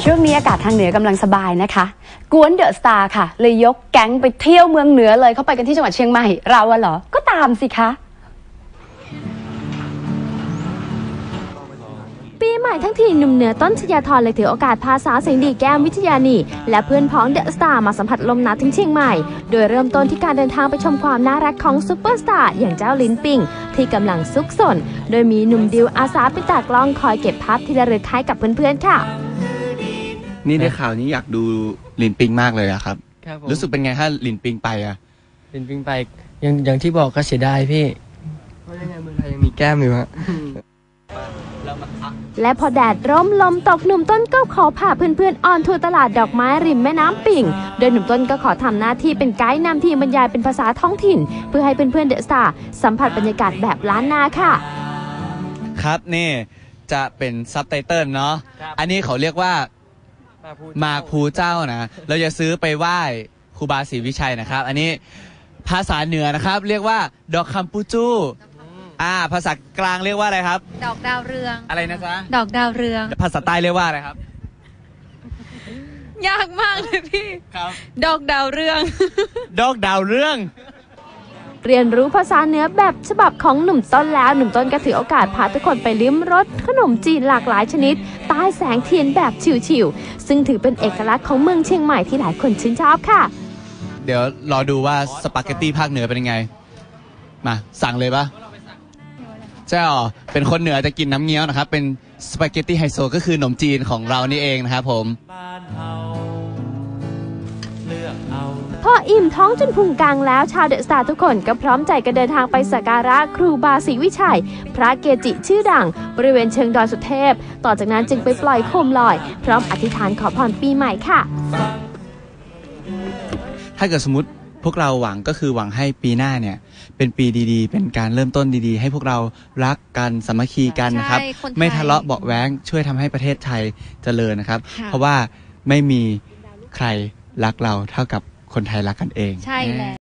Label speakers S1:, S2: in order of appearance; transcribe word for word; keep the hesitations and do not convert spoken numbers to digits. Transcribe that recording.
S1: ช่วงนี้อากาศทางเหนือกำลังสบายนะคะกวนเดอะสตาร์ค่ะเลยยกแก๊งไปเที่ยวเมืองเหนือเลยเข้าไปกันที่จังหวัดเชียงใหม่เราอะเหรอก็ตามสิคะ
S2: ปีใหม่ทั้งทีหนุ่มเหนือต้นชยาธรเลยถือโอกาสพาสาวเสียงดีแก้มวิทยานีและเพื่อนพ้องเดอะสตาร์มาสัมผัสลมหนาวถึงเชียงใหม่โดยเริ่มต้นที่การเดินทางไปชมความน่ารักของซุปเปอร์สตาร์อย่างเจ้าลิ้นปิงที่กำลังซุกซนโดยมีหนุ่มดิวอาสาเป็นตากล้องคอยเก็บภาพที่ระลึกให้กับเพื่อนๆค่ะ
S3: นี่ในข่าวนี้อยากดูลินปิงมากเลยอะครับรู้สึกเป็นไงถ้าลินปิงไปอะ
S4: ลินปิงไปยังอย่างที่บอกก็เสียดายพี่เพราะยังไงเมืองไทยยังมีแก้มอยู่ฮะ
S2: และพอแดดร่มลมตกหนุ่มต้นก็ขอพาเพื่อนๆออนทัวร์ตลาดดอกไม้ริมแม่น้ำปิ่งโดยหนุ่มต้นก็ขอทำหน้าที่เป็นไกด์นำทีมบรรยายเป็นภาษาท้องถิ่นเพื่อให้เพื่อนๆเดอะสตาร์สัมผัสบรรยากาศแบบล้านนาค่ะ
S3: ครับนี่จะเป็นซับไตเติลเนาะอันนี้เขาเรียกว่ามาภูเจ้านะเราจะซื้อไปไหว้ครูบาศรีวิชัยนะครับอันนี้ภาษาเหนือนะครับเรียกว่าดอกคำปูจูอ่าภาษากลางเรียกว่าอะไรครับ
S5: ดอกดาวเรือง
S3: อะไรนะจ๊ะ
S5: ดอกดาวเรือง
S3: ภาษาใต้เรียกว่าอะไรครับ
S5: ยากมากเลยพี่
S3: ครับ
S5: ดอกดาวเรือง
S3: ดอกดาวเรือง
S2: เรียนรู้ภาษาเหนือแบบฉบับของหนุ่มต้นแล้วหนุ่มต้นก็ถือโอกาสพาทุกคนไปลิ้มรสขนมจีนหลากหลายชนิดใต้แสงเทียนแบบชิวๆซึ่งถือเป็นเอกลักษณ์ของเมืองเชียงใหม่ที่หลายคนชื่นชอบค่ะ
S3: เดี๋ยวรอดูว่าสปาเกตตี้ภาคเหนือเป็นยังไงมาสั่งเลยปะใช่หรอเป็นคนเหนือจะกินน้ำเงี้ยวนะครับเป็นสปาเกตตี้ไฮโซก็คือขนมจีนของเรานี่เองนะครับผม
S2: พออิ่มท้องจนพุงกลางแล้วชาวเดอะสตาร์ทุกคนก็พร้อมใจกันเดินทางไปสักการะครูบาศรีวิชัยพระเกจิชื่อดังบริเวณเชิงดอยสุเทพต่อจากนั้นจึงไปปล่อยโคมลอยพร้อมอธิษฐานขอพรปีใหม่ค่ะ
S3: ถ้าเกิดสมมติพวกเราหวังก็คือหวังให้ปีหน้าเนี่ยเป็นปีดีๆเป็นการเริ่มต้นดีๆให้พวกเรารักกันสามัคคีกันนะครับไม่ทะเลาะเบาะแว้งช่วยทำให้ประเทศไทยเจริญนะครับเพราะว่าไม่มีใครรักเราเท่ากับคนไทยรักกันเอง
S5: ใช่แล้ว